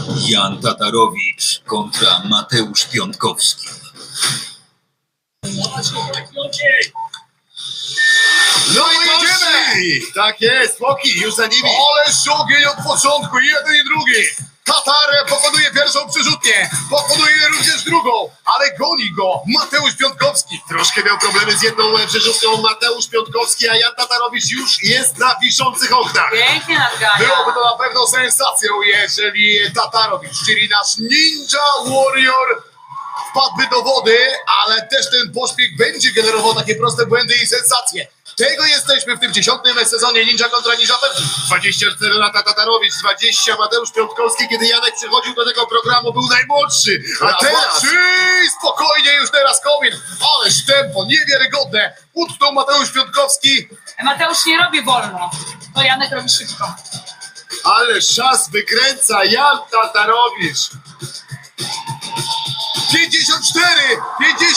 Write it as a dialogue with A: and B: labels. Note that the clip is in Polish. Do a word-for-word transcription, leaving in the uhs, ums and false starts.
A: Jan Tatarowicz kontra Mateusz Piątkowski.
B: No i jedziemy! Tak jest, Łoki, już za nimi. Ale ogień od początku, jeden i drugi. Tatar pokonuje pierwszą przerzutnię, pokonuje również drugą, ale goni go Mateusz Piątkowski. Troszkę miał problemy z jedną przerzutką Mateusz Piątkowski, a Jan Tatarowicz już jest na wiszących oknach.
C: Pięknie nadgania.
B: Byłoby to na pewno sensacją, jeżeli Tatarowicz, czyli nasz Ninja Warrior, wpadłby do wody, ale też ten pośpiech będzie generował takie proste błędy i sensacje. Tego jesteśmy w tym dziesiątym sezonie Ninja kontra Ninja pewni. dwadzieścia cztery lata Tatarowicz, dwadzieścia Mateusz Piątkowski. Kiedy Janek przychodził do tego programu, był najmłodszy. A teraz spokojnie już teraz Kowin. Ależ tempo niewiarygodne. Utknął Mateusz Piątkowski.
C: Mateusz nie robi wolno, to Janek robi szybko.
B: Ale szas wykręca Jan Tatarowicz. pięćdziesiąt cztery, pięćdziesiąt